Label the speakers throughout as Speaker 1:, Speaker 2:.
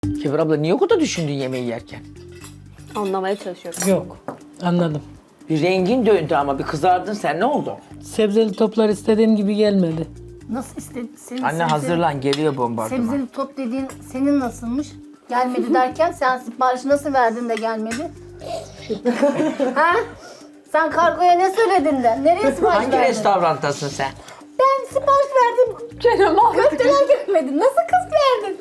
Speaker 1: Kibir abla niye o kadar düşündün yemeği yerken?
Speaker 2: Anlamaya çalışıyorum.
Speaker 3: Yok. Anladım.
Speaker 1: Bir rengin döndü ama bir kızardın sen, ne oldu?
Speaker 3: Sebzeli toplar istediğim gibi gelmedi.
Speaker 4: Nasıl istedin? Senin
Speaker 1: Anne hazırlan, geliyor bombardıman.
Speaker 4: Sebzeli top dediğin senin nasılmış? Gelmedi derken sen siparişi nasıl verdin de gelmedi? Ha? Sen kargoya ne söyledin de? Nereye sipariş
Speaker 1: Hangi
Speaker 4: verdin?
Speaker 1: restorantasın sen?
Speaker 4: Ben sipariş verdim. Köfteler gelmedi. Nasıl kız verdin?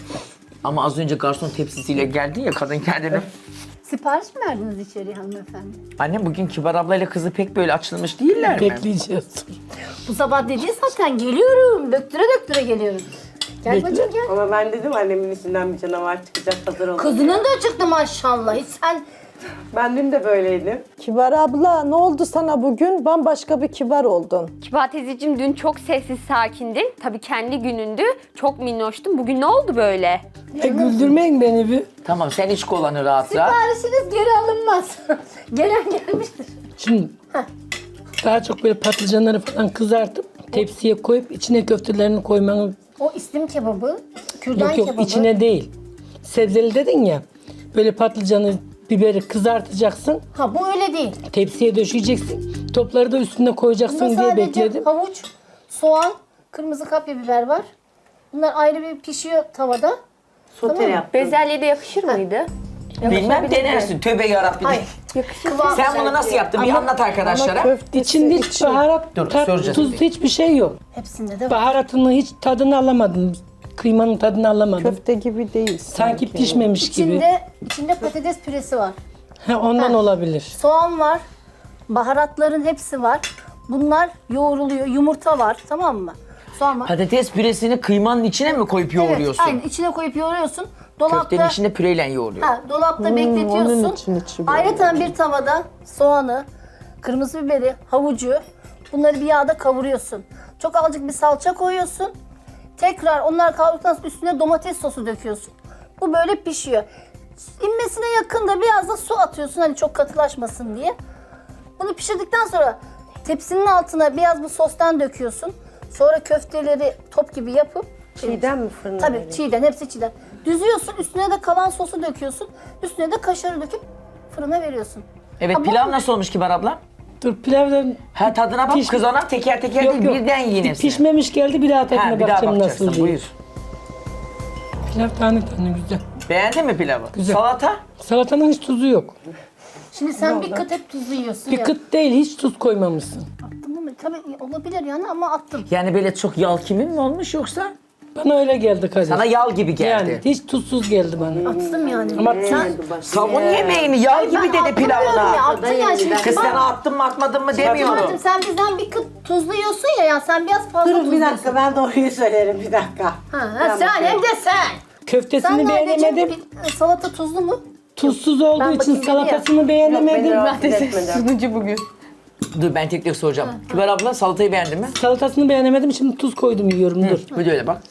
Speaker 1: Ama az önce garson tepsisiyle geldin ya, kadın kendini.
Speaker 4: Sipariş mi verdiniz içeriye hanımefendi?
Speaker 1: Anne bugün Kibar ablayla kızı pek böyle açılmış değiller mi?
Speaker 3: Bekleyeceğiz.
Speaker 4: Bu sabah dediği zaten geliyorum. Döktüre döktüre geliyorum. Gel bacım gel.
Speaker 5: Ama ben dedim annemin içinden bir canavar çıkacak, hazır olun.
Speaker 4: Kızının da çıktı maşallah. Hiç sen
Speaker 5: Ben dün de böyleydim.
Speaker 6: Kibar abla ne oldu sana bugün? Bambaşka bir kibar oldun.
Speaker 2: Kibar teyzeciğim dün çok sessiz sakindin. Tabii kendi günündü. Çok minnoştun. Bugün ne oldu böyle?
Speaker 3: Güldürmeyin beni bir.
Speaker 1: Tamam, sen iç kolanı rahat rahat.
Speaker 4: siparişiniz geri alınmaz. Gelen gelmiştir.
Speaker 3: Şimdi daha çok böyle patlıcanları falan kızartıp tepsiye koyup içine köftelerini koymanı...
Speaker 4: O istim kebabı, kürdan
Speaker 3: Yok yok,
Speaker 4: kebabı.
Speaker 3: içine değil. Sebzeli dedin ya. Böyle patlıcanı, biberi kızartacaksın.
Speaker 4: Ha bu öyle değil.
Speaker 3: Tepsiye döşeyeceksin. Topları da üstüne koyacaksın
Speaker 4: Bunda
Speaker 3: diye
Speaker 4: sadece
Speaker 3: bekledim.
Speaker 4: havuç, soğan, kırmızı kapya biber var. Bunlar ayrı bir pişiyor tavada.
Speaker 5: Sote yaptım.
Speaker 2: Bezelye de yakışır mıydı?
Speaker 1: Bilmem, denersin. Tövbe yarabbim.
Speaker 4: Hayır.
Speaker 2: Yakışır.
Speaker 1: Sen bunu nasıl yaptın? Bir anlat arkadaşlara.
Speaker 6: Köftesi
Speaker 3: İçinde hiç
Speaker 6: içi.
Speaker 3: baharat,
Speaker 1: Dur,
Speaker 3: tat,
Speaker 1: soracağız
Speaker 3: tuz,
Speaker 1: bir.
Speaker 3: hiçbir şey yok.
Speaker 4: Hepsinde de var.
Speaker 3: Baharatını hiç tadını alamadım. Kıymanın tadını alamadım.
Speaker 6: Köfte gibi değil.
Speaker 3: Sanki pişmemiş gibi.
Speaker 4: İçinde patates püresi var.
Speaker 3: Ha, ondan olabilir.
Speaker 4: Soğan var. Baharatların hepsi var. Bunlar yoğruluyor. Yumurta var, tamam mı? Soğan var.
Speaker 1: Patates püresini kıymanın içine mi koyup yoğuruyorsun?
Speaker 4: Evet, aynen içine koyup yoğuruyorsun. Dolapta
Speaker 1: Köftenin içinde püreyle yoğuruyor.
Speaker 4: dolapta bekletiyorsun.
Speaker 6: onun içi böyle.
Speaker 4: Ayrıca bir tavada soğanı, kırmızı biberi, havucu bunları bir yağda kavuruyorsun. Çok azıcık bir salça koyuyorsun. Tekrar onlar kavruldıktan sonra üstüne domates sosu döküyorsun. Bu böyle pişiyor. İnmesine yakın da biraz da su atıyorsun hani çok katılaşmasın diye. Bunu pişirdikten sonra tepsinin altına biraz bu sostan döküyorsun. Sonra köfteleri top gibi yapıp
Speaker 5: Çiğden mi fırına
Speaker 4: tabii
Speaker 5: vereyim?
Speaker 4: çiğden, hepsi çiğden. Düzüyorsun, üstüne de kalan sosu döküyorsun. Üstüne de kaşarı döküp fırına veriyorsun.
Speaker 1: Evet,
Speaker 4: Ama
Speaker 1: pilav nasıl olmuş Kibar abla?
Speaker 3: Dur pilavdan
Speaker 1: Ha, tadına bak kız, ona teker teker değil, birden yiyin hepsini.
Speaker 3: Pişmemiş geldi, bir daha
Speaker 1: Ha,
Speaker 3: tadına
Speaker 1: bir daha
Speaker 3: bakacağım
Speaker 1: bakacaksın,
Speaker 3: nasıl diye.
Speaker 1: buyur.
Speaker 3: Pilav tane tane güzel.
Speaker 1: Beğendin mi pilavı?
Speaker 3: Güzel.
Speaker 1: Salata?
Speaker 3: Salatanın hiç tuzu yok.
Speaker 4: Şimdi sen bir kıt hep tuzlu yiyorsun
Speaker 3: Bir
Speaker 4: ya.
Speaker 3: kıt değil, hiç tuz koymamışsın.
Speaker 4: Attın değil mi? Tabii olabilir yani ama attım.
Speaker 1: Yani böyle çok yal kimin mi olmuş yoksa?
Speaker 3: Bana öyle geldi Kadir.
Speaker 1: Sana yal gibi geldi.
Speaker 3: Yani hiç tuzsuz geldi bana.
Speaker 4: Attım yani.
Speaker 3: Ama
Speaker 1: Savun yemeğini, yal gibi dedi
Speaker 4: Ya
Speaker 1: pilavına.
Speaker 4: attın ya şimdi.
Speaker 1: Kız sen attın mı atmadın mı demiyorum.
Speaker 4: Murat'cığım sen bizden bir kıt tuzlu yiyorsun ya, yani sen biraz fazla
Speaker 5: Durun bir
Speaker 4: tuzluyorsun.
Speaker 5: dakika, ben doğruyu söylerim, bir dakika.
Speaker 4: Sen hem de sen.
Speaker 3: köftesini
Speaker 4: Sen
Speaker 3: beğenemedim.
Speaker 4: neredeciğim salata tuzlu mu?
Speaker 3: Tuzsuz olduğu
Speaker 4: Ben
Speaker 3: için
Speaker 4: bakayım
Speaker 3: salatasını
Speaker 5: Yok, beni
Speaker 3: beğenemedim.
Speaker 5: rahatsız etmedi.
Speaker 2: bugün.
Speaker 1: Dur, ben tek tek soracağım. Kibar abla salatayı beğendin mi?
Speaker 3: Salatasını beğenemedim, şimdi tuz koydum yiyorum, dur.
Speaker 1: Bu da öyle bak.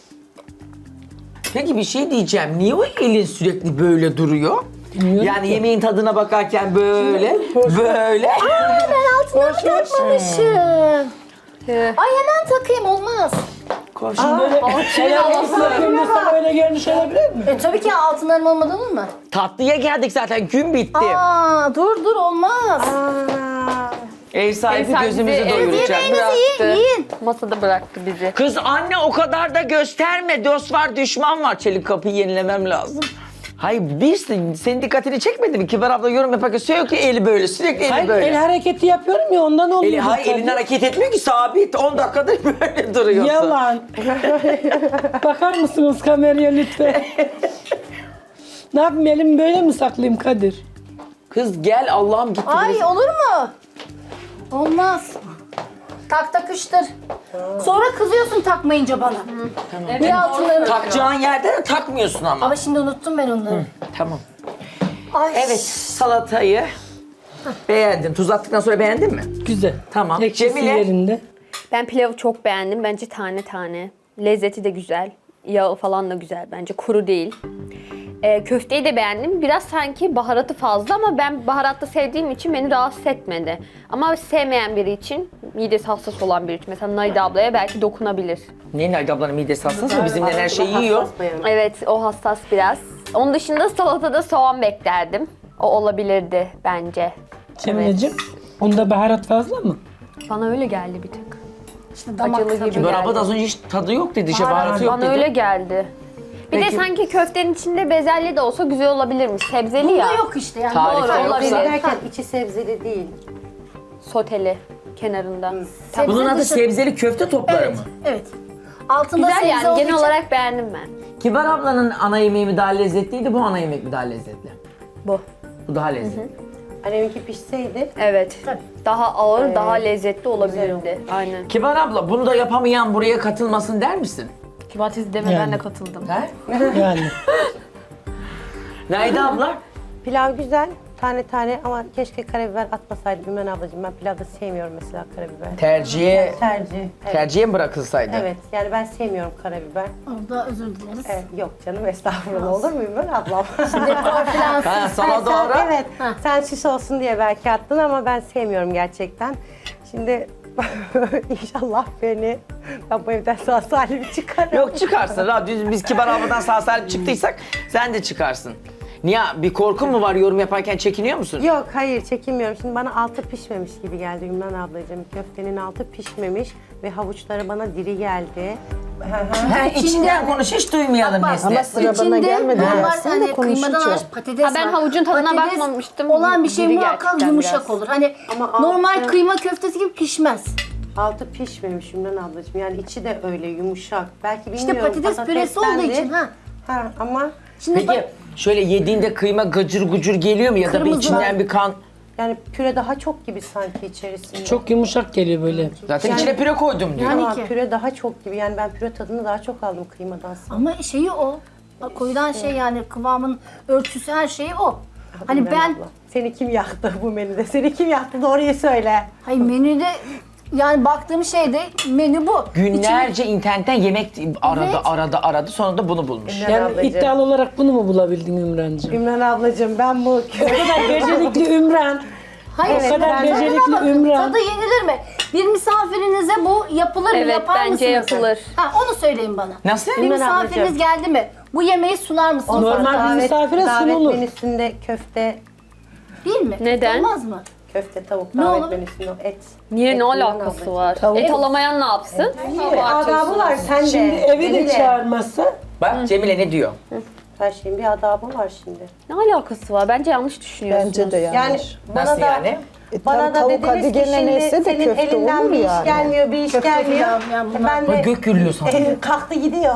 Speaker 1: Peki bir şey diyeceğim. Niye o elin sürekli böyle duruyor?
Speaker 3: Bilmiyorum
Speaker 1: Yani
Speaker 3: ki.
Speaker 1: yemeğin tadına bakarken böyle, böyle.
Speaker 4: Ben altına takmamışım. Ay hemen takayım, olmaz.
Speaker 3: Şimdi böyle ayağımızla yapıyorsa böyle görünüş olabilir mi?
Speaker 4: Tabii ki altınlarım olmadan olur mu?
Speaker 1: Tatlıya geldik zaten, gün bitti.
Speaker 4: Dur olmaz.
Speaker 1: Ev sahibi
Speaker 2: Ev sahibi
Speaker 1: gözümüzü
Speaker 2: bizi-
Speaker 1: doyuracak.
Speaker 4: Yiyin, yiyin.
Speaker 2: Masada bıraktı bizi.
Speaker 1: Kız anne o kadar da gösterme. Dost var, düşman var. Çelik kapıyı yenilemem lazım. Hayır, senin dikkatini çekmedi mi? Kibar abla yorum yaparken söylüyor ki eli böyle, sürekli eli
Speaker 3: Hayır,
Speaker 1: böyle.
Speaker 3: el hareketi yapıyorum ya, ondan oluyor.
Speaker 1: Hayır, elin hareket etmiyor ki, sabit. 10 dakikadır böyle duruyorsun.
Speaker 3: Yalan. Bakar mısınız kameraya lütfen? Ne yapayım, elimi böyle mi saklayayım Kadir?
Speaker 1: Kız gel, Allah'ım gitti.
Speaker 4: Ay
Speaker 1: biraz.
Speaker 4: olur mu? Olmaz. Tak takıştır. Sonra kızıyorsun takmayınca bana. Bir altınları.
Speaker 1: Takacağın yerde de takmıyorsun ama.
Speaker 4: Ama şimdi unuttum ben onları.
Speaker 1: Tamam.
Speaker 4: Ay.
Speaker 1: Evet, salatayı beğendim. Tuz attıktan sonra beğendin mi?
Speaker 3: Güzel.
Speaker 1: Tamam.
Speaker 3: Ekşisi
Speaker 1: Cemile?
Speaker 3: yerinde.
Speaker 2: Ben pilavı çok beğendim. Bence tane tane. Lezzeti de güzel. Yağı falan da güzel bence. Kuru değil. Köfteyi de beğendim. Biraz sanki baharatı fazla ama ben baharatlı sevdiğim için beni rahatsız etmedi. Ama sevmeyen biri için midesi hassas olan biri için. Mesela Naide ablaya belki dokunabilir.
Speaker 1: Niye Naide ablanın midesi hassas mı? Bizimden her şeyi yiyor.
Speaker 5: Hassas bayan.
Speaker 2: Evet, o hassas biraz. Onun dışında salatada soğan beklerdim. O olabilirdi bence.
Speaker 3: Cemile'cim, bunda baharat fazla mı?
Speaker 2: Bana öyle geldi bir tık.
Speaker 4: İşte damak
Speaker 2: Acılı
Speaker 4: tadı.
Speaker 2: gibi.
Speaker 1: Kibar abla da az önce hiç tadı yok dedi, baharatı yok
Speaker 2: Bana
Speaker 1: dedi.
Speaker 2: öyle geldi. Bir
Speaker 1: Peki.
Speaker 2: de sanki köftenin içinde bezelye de olsa güzel olabilirmiş. Sebzeli ya.
Speaker 4: Bunda yok işte yani.
Speaker 1: Tarifte
Speaker 4: Doğru,
Speaker 1: yoksa-
Speaker 4: olabilir.
Speaker 5: Derken içi sebzeli değil.
Speaker 2: Soteli kenarında.
Speaker 4: Sebze
Speaker 1: Bunun adı
Speaker 4: dışı-
Speaker 1: sebzeli köfte topları
Speaker 4: Evet,
Speaker 1: mı?
Speaker 4: evet. Altında
Speaker 2: Güzel
Speaker 4: sebze
Speaker 2: yani
Speaker 4: olduğu
Speaker 2: genel
Speaker 4: için-
Speaker 2: olarak beğendim ben.
Speaker 1: Kibar ablanın ana yemeği mi daha lezzetliydi, bu ana yemek mi daha lezzetli?
Speaker 2: Bu.
Speaker 1: Bu daha lezzetli.
Speaker 5: Anneminki pişseydi
Speaker 2: Evet.
Speaker 4: Tabii.
Speaker 2: Daha ağır, daha lezzetli olabilirdi. Aynen.
Speaker 1: Kibar abla, bunu da yapamayan buraya katılmasın der misin?
Speaker 2: Kibartiz deme
Speaker 3: Yani.
Speaker 2: ben de katıldım.
Speaker 1: He?
Speaker 3: Yani.
Speaker 1: Naide abla?
Speaker 5: pilav güzel. Tane tane ama keşke karabiber atmasaydım Ümran ablacığım. Ben pilavda sevmiyorum mesela karabiber.
Speaker 1: Tercihe,
Speaker 5: Tercih. Evet.
Speaker 1: tercihe mi bırakılsaydı?
Speaker 5: Evet, yani ben sevmiyorum karabiber.
Speaker 4: Orada özür dileriz.
Speaker 5: Evet, yok canım estağfurullah olur mu Ümran ablam?
Speaker 4: Konferans.
Speaker 1: Ha, sana
Speaker 5: Sen-
Speaker 1: doğru.
Speaker 5: Evet, sen süs olsun diye belki attın ama ben sevmiyorum gerçekten. Şimdi inşallah ben bu evden sağ salim çıkarım.
Speaker 1: Yok çıkarsın. Biz Kibar abladan sağ salim çıktıysak sen de çıkarsın. Niye? Bir korkun mu var, yorum yaparken çekiniyor musun?
Speaker 5: Yok hayır çekinmiyorum. Şimdi bana altı pişmemiş gibi geldi Ümran ablacığım. Köftenin altı pişmemiş ve havuçları bana diri geldi.
Speaker 1: Ha, içinden konuş, hiç duymayalım Nesli.
Speaker 6: Ama sıra bana gelmedi.
Speaker 4: normal
Speaker 6: Gelsin de
Speaker 4: hani kıymadan
Speaker 6: konuşacağım.
Speaker 4: hariç patates
Speaker 2: Ha, ben
Speaker 4: var.
Speaker 2: havucun tadına
Speaker 4: Patates
Speaker 2: bakmamıştım.
Speaker 4: olan bir şey
Speaker 2: Diri
Speaker 4: muhakkak
Speaker 2: gerçekten
Speaker 4: yumuşak
Speaker 2: biraz.
Speaker 4: olur. Hani
Speaker 5: Ama
Speaker 4: normal
Speaker 5: altı-
Speaker 4: kıyma köftesi gibi pişmez.
Speaker 5: Altı pişmemiş Ümran ablacığım. Yani içi de öyle yumuşak. Belki
Speaker 4: İşte
Speaker 5: bilmiyorum.
Speaker 4: patates püresi olduğu
Speaker 5: patatesten
Speaker 4: için
Speaker 5: de-
Speaker 4: ha.
Speaker 5: Ha ama
Speaker 4: Şimdi
Speaker 1: Peki
Speaker 4: bak,
Speaker 1: şöyle yediğinde kıyma gıcır gucur geliyor mu ya da bir
Speaker 4: Kırmızı
Speaker 1: içinden
Speaker 4: var.
Speaker 1: bir kan?
Speaker 5: yani püre daha çok gibi sanki içerisinde.
Speaker 3: Çok yumuşak geliyor böyle.
Speaker 1: Zaten içine püre koydum diyor.
Speaker 4: Yani
Speaker 5: Ama
Speaker 4: ki.
Speaker 5: püre daha çok gibi. Yani ben püre tadını daha çok aldım kıymadan.
Speaker 4: ama şeyi o. Koyulan şey yani kıvamın ölçüsü her şeyi o. Hani
Speaker 5: Ümran
Speaker 4: ben
Speaker 5: abla, seni kim yaktı bu menüde? Seni kim yaktı? Doğruyu söyle.
Speaker 4: hayır menüde yani baktığım şeyde menü bu.
Speaker 1: Günlerce internetten yemek aradı,
Speaker 4: Evet.
Speaker 1: aradı. Sonra da bunu bulmuş.
Speaker 5: Ümran
Speaker 3: Yani
Speaker 5: ablacığım.
Speaker 3: iddialı olarak bunu mu bulabildin Ümrancığım?
Speaker 5: Ümran ablacığım ben bu
Speaker 3: O kadar becerikli Ümran.
Speaker 4: Hayır,
Speaker 3: O kadar
Speaker 4: tadına
Speaker 3: becerikli
Speaker 4: bakın,
Speaker 3: Ümran.
Speaker 4: Tadı yenilir mi? Bir misafirinize bu yapılır mı?
Speaker 2: Evet,
Speaker 4: Yapar
Speaker 2: bence
Speaker 4: mısınız?
Speaker 2: yapılır.
Speaker 4: Ha, onu söyleyin bana.
Speaker 1: Nasıl?
Speaker 4: Bir
Speaker 5: Ümran
Speaker 4: misafiriniz
Speaker 5: ablacığım.
Speaker 4: geldi mi? Bu yemeği sunar mısınız?
Speaker 3: Normal bir misafire
Speaker 5: davet
Speaker 3: sunulur.
Speaker 5: menüsünde köfte,
Speaker 4: Değil mi?
Speaker 2: Neden?
Speaker 4: Olmaz mı?
Speaker 5: köfte tavuk
Speaker 4: Ne
Speaker 5: davet
Speaker 4: olur?
Speaker 5: menüsünde et.
Speaker 2: Niye
Speaker 5: Et
Speaker 2: ne
Speaker 5: Ümran
Speaker 2: alakası
Speaker 5: ablacığım.
Speaker 2: var?
Speaker 6: Tavuk.
Speaker 2: Et alamayan ne yapsın?
Speaker 5: Adabı var sen de.
Speaker 3: Şimdi evi de
Speaker 5: Cemile.
Speaker 3: çağırmazsa
Speaker 1: Bak Cemile ne diyor?
Speaker 5: Her şeyin bir adabı var şimdi.
Speaker 2: Ne alakası var? Bence yanlış düşünüyorsunuz.
Speaker 6: Bence de yanlış.
Speaker 5: Yani bana
Speaker 1: Nasıl
Speaker 5: da
Speaker 1: yani?
Speaker 5: bana da
Speaker 6: tavuk
Speaker 5: dediniz
Speaker 6: hadi
Speaker 5: ki
Speaker 6: gene
Speaker 5: şimdi
Speaker 6: neyse de
Speaker 5: senin
Speaker 6: köfte
Speaker 5: elinden
Speaker 6: olur
Speaker 5: bir iş
Speaker 6: yani.
Speaker 5: gelmiyor, bir iş
Speaker 4: Köfte
Speaker 5: gelmiyor.
Speaker 4: filan, bunlar.
Speaker 5: Ben
Speaker 1: Bak
Speaker 5: de
Speaker 1: gök gürlüyor sana.
Speaker 5: kalktı gidiyor.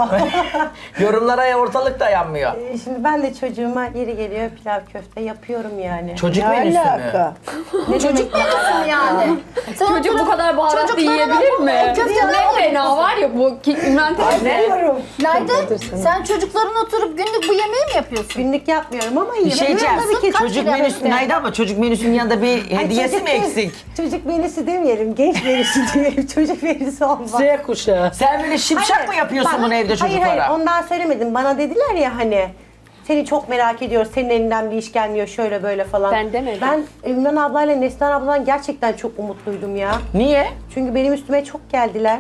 Speaker 1: Yorumlara ortalık dayanmıyor.
Speaker 5: Şimdi ben de çocuğuma yeri geliyor pilav köfte yapıyorum yani.
Speaker 1: Çocuk
Speaker 6: Ne
Speaker 1: menüsü mü?
Speaker 6: alaka?
Speaker 5: Ne çocuk
Speaker 4: Nasıl yani? Sen
Speaker 2: Çocuk bu
Speaker 4: oturup
Speaker 2: kadar baharatlı
Speaker 4: çocuklarına
Speaker 2: yiyebilir
Speaker 4: bu
Speaker 2: mi?
Speaker 4: köfteler
Speaker 2: Ne fena var ya bu Ümran teyze.
Speaker 5: Diyorum.
Speaker 4: Nerede? Sen çocukların oturup günlük bu yemeği mi yapıyorsun?
Speaker 5: Günlük yapmıyorum ama iyi.
Speaker 1: Bir şey diyeceğim.
Speaker 4: Tabii ki kaç
Speaker 1: Çocuk
Speaker 4: kilo
Speaker 1: menüsü
Speaker 4: köfte?
Speaker 1: neydi ama çocuk menüsünün yanında bir hediyesi mi eksik?
Speaker 5: Çocuk menüsü demeyelim, genç menüsü diyelim. Çocuk menüsü olmaz.
Speaker 3: Z kuşağı.
Speaker 1: Sen böyle şipşak
Speaker 5: Hayır,
Speaker 1: mı yapıyorsun
Speaker 5: bak-
Speaker 1: bunu evde çocuklara?
Speaker 5: Hayır ondan söylemedim. Bana dediler ya hani seni çok merak ediyor, senin elinden bir iş gelmiyor şöyle böyle falan.
Speaker 2: Ben demedim.
Speaker 5: Ben Ümran ablayla Neslihan abladan gerçekten çok umutluydum ya.
Speaker 1: Niye?
Speaker 5: Çünkü benim üstüme çok geldiler.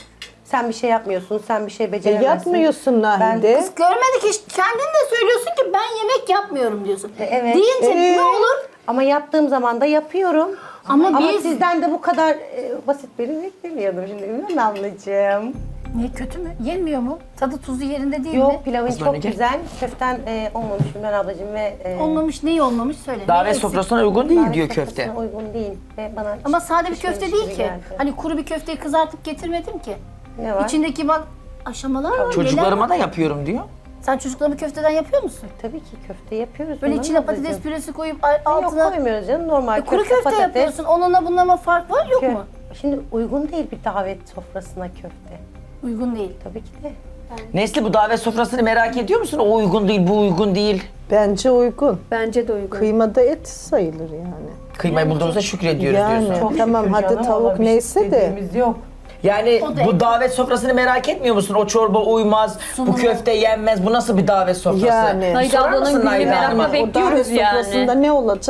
Speaker 5: Sen bir şey yapmıyorsun, sen bir şey beceremezsin.
Speaker 6: Yapmıyorsun Nahide.
Speaker 4: Kız görmedik hiç. Kendin de söylüyorsun ki ben yemek yapmıyorum diyorsun.
Speaker 5: Evet.
Speaker 4: Deyince ne olur?
Speaker 5: Ama yaptığım zaman da yapıyorum.
Speaker 4: Ama
Speaker 5: Ama
Speaker 4: biz-
Speaker 5: sizden de bu kadar basit beni beklemiyordum şimdi Ümran ablacığım.
Speaker 4: Niye kötü mü? Yenmiyor mu? Tadı tuzu yerinde değil mi?
Speaker 5: Yok pilavın
Speaker 1: Kızlar
Speaker 5: çok
Speaker 1: ne gel?
Speaker 5: güzel. Köften olmamış Ümran ablacığım ve
Speaker 4: Olmamış neyi olmamış söyle.
Speaker 1: Davet
Speaker 4: Neyi eksik?
Speaker 1: sofrasına uygun değil
Speaker 5: davet
Speaker 1: diyor
Speaker 5: sofrasına
Speaker 1: köfte.
Speaker 5: uygun değil ve bana
Speaker 4: Ama
Speaker 5: hiç
Speaker 4: sade bir
Speaker 5: pişmemiş
Speaker 4: köfte değil
Speaker 5: gibi
Speaker 4: ki.
Speaker 5: geldi.
Speaker 4: Hani kuru bir köfteyi kızartıp getirmedim ki.
Speaker 5: Ne var?
Speaker 4: İçindeki bak aşamalar var. neler
Speaker 1: Çocuklarıma
Speaker 4: var.
Speaker 1: da yapıyorum diyor.
Speaker 4: Sen çocuklarını köfteden yapıyor musun?
Speaker 5: Tabii ki köfte yapıyoruz.
Speaker 4: Böyle
Speaker 5: Ümran
Speaker 4: içine
Speaker 5: ablacığım.
Speaker 4: patates püresi koyup
Speaker 5: Yok
Speaker 4: altına
Speaker 5: koymuyoruz canım normal
Speaker 4: kuru köfte
Speaker 5: patates.
Speaker 4: yapıyorsun. Onunla bununla fark var yok mu?
Speaker 5: Şimdi uygun değil bir davet sofrasına köfte.
Speaker 4: Uygun değil.
Speaker 5: Tabii ki de.
Speaker 1: Nesli bu davet sofrasını merak ediyor musun? O uygun değil, bu uygun değil.
Speaker 6: Bence uygun.
Speaker 2: Bence de uygun.
Speaker 6: Kıymada et sayılır yani.
Speaker 1: Kıymayı bulduğumuza şükrediyoruz
Speaker 6: Yani
Speaker 1: diyorsun.
Speaker 6: tamam hadi tavuk neyse de.
Speaker 5: yok.
Speaker 1: Yani
Speaker 4: O da
Speaker 1: bu
Speaker 4: evet.
Speaker 1: davet sofrasını merak etmiyor musun? O çorba uymaz, bu köfte yenmez. Bu nasıl bir davet sofrası?
Speaker 6: Yani.
Speaker 2: Naide
Speaker 1: Sorar
Speaker 2: ablanın
Speaker 1: mısın
Speaker 2: günlüğü
Speaker 1: Naide
Speaker 2: merakla
Speaker 1: Hanım'a?
Speaker 6: O davet
Speaker 2: bekliyoruz
Speaker 6: sofrasında
Speaker 2: yani.
Speaker 6: ne olacak?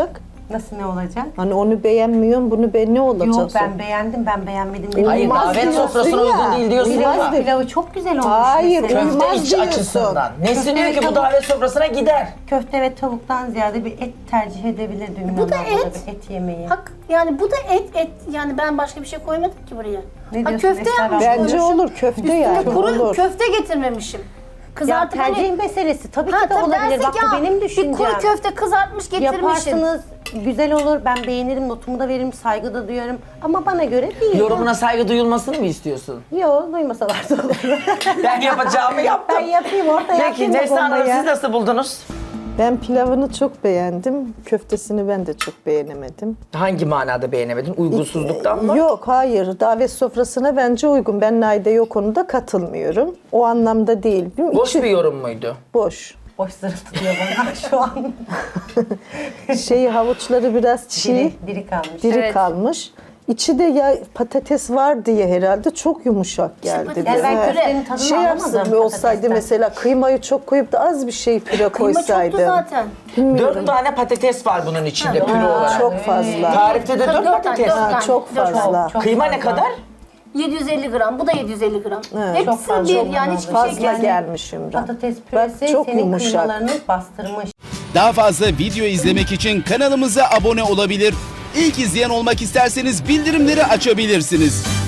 Speaker 5: Nasıl ne olacak?
Speaker 6: Hani onu beğenmiyorum, bunu ne olacak?
Speaker 5: Yok ben beğendim, ben beğenmedim dedim.
Speaker 1: Hayır
Speaker 6: Olmaz
Speaker 1: davet
Speaker 6: diyorsun
Speaker 1: sofrasına
Speaker 6: ya.
Speaker 1: uygun değil diyorsun
Speaker 6: Olmaz
Speaker 1: ama.
Speaker 6: diyor.
Speaker 5: Pilavı çok güzel olmuş.
Speaker 6: Hayır,
Speaker 5: mesela.
Speaker 1: Köfte
Speaker 6: Olmaz
Speaker 1: iç
Speaker 6: diyorsun.
Speaker 1: açısından. Nesin
Speaker 5: Köfte
Speaker 1: diyor
Speaker 5: ve
Speaker 1: ki bu
Speaker 5: tavuk.
Speaker 1: davet sofrasına gider.
Speaker 5: Köfte ve tavuktan ziyade bir et tercih edebilirdim.
Speaker 4: Bu da
Speaker 5: İnanın bana
Speaker 4: et.
Speaker 5: bir et yemeği.
Speaker 4: Hak yani bu da et yani ben başka bir şey koymadım ki buraya.
Speaker 5: Ne
Speaker 4: Ha,
Speaker 5: diyorsun
Speaker 4: köfte
Speaker 5: Esra
Speaker 4: yapmış
Speaker 5: abla?
Speaker 6: Bence
Speaker 4: koymuşum.
Speaker 6: olur, köfte
Speaker 4: Üstüne
Speaker 6: yani,
Speaker 4: kuru
Speaker 6: olur.
Speaker 4: köfte getirmemişim.
Speaker 5: Ya
Speaker 4: Kızartıp
Speaker 5: tercih
Speaker 4: hani-
Speaker 5: meselesi tabii
Speaker 4: Ha,
Speaker 5: ki de
Speaker 4: tabii
Speaker 5: olabilir.
Speaker 4: dersek
Speaker 5: Bak
Speaker 4: ya,
Speaker 5: bu benim düşüncem.
Speaker 4: Bir kuru köfte kızartmış getirmişim.
Speaker 5: Yaparsınız, güzel olur. Ben beğenirim, notumu da veririm, saygı da duyarım. Ama bana göre değil.
Speaker 1: Yorumuna saygı duyulmasını mı istiyorsun?
Speaker 5: Yok, duymasalar da olur.
Speaker 1: Ben yapacağımı yaptım.
Speaker 5: Ben yapayım, orada
Speaker 1: Peki
Speaker 5: yapayım.
Speaker 1: Neslihan Hanım
Speaker 5: bombayı.
Speaker 1: siz nasıl buldunuz?
Speaker 6: Ben pilavını çok beğendim. Köftesini ben de çok beğenemedim.
Speaker 1: Hangi manada beğenemedin? Uygunsuzluktan mı?
Speaker 6: Yok, hayır. Davet sofrasına bence uygun. Ben Naide yok konuda katılmıyorum. O anlamda değil.
Speaker 1: Boş
Speaker 6: İçi
Speaker 1: bir yorum muydu?
Speaker 6: boş.
Speaker 5: Boş zırıltıyor bana şu an.
Speaker 6: Havuçları biraz çiğ,
Speaker 5: Diri kalmış.
Speaker 6: diri
Speaker 2: Evet.
Speaker 6: kalmış. İçi de ya patates var diye herhalde çok yumuşak geldi.
Speaker 4: patates-
Speaker 5: Yani ben
Speaker 6: bize.
Speaker 5: köftenin tadını
Speaker 6: Şey
Speaker 5: alamadım
Speaker 6: yapsın olsaydı
Speaker 5: patatesten.
Speaker 6: mesela kıymayı çok koyup da az bir şey püre
Speaker 4: Kıyma
Speaker 6: koysaydı.
Speaker 4: çoktu zaten.
Speaker 1: 4 tane patates var bunun içinde püre olarak.
Speaker 6: Çok fazla.
Speaker 1: Tarifte de 4
Speaker 4: Dört tane,
Speaker 1: patates.
Speaker 4: dört
Speaker 6: Ha,
Speaker 4: tane,
Speaker 6: çok
Speaker 4: dört tane.
Speaker 6: fazla.
Speaker 5: Çok
Speaker 1: Kıyma
Speaker 5: fazla.
Speaker 1: ne kadar?
Speaker 4: 750 gram. Bu da 750 gram.
Speaker 6: çok
Speaker 4: Hepsi
Speaker 5: fazla
Speaker 4: bir
Speaker 5: olmalı.
Speaker 4: yani hiçbir şey
Speaker 6: Fazla
Speaker 4: kesmiyor.
Speaker 6: gelmiş Ümran.
Speaker 5: Patates
Speaker 6: Bak
Speaker 5: püresi
Speaker 6: çok
Speaker 5: senin
Speaker 6: yumuşak.
Speaker 5: kıymalarını bastırmış.
Speaker 7: Daha fazla video izlemek için kanalımıza abone olabilir. İlk izleyen olmak isterseniz bildirimleri açabilirsiniz.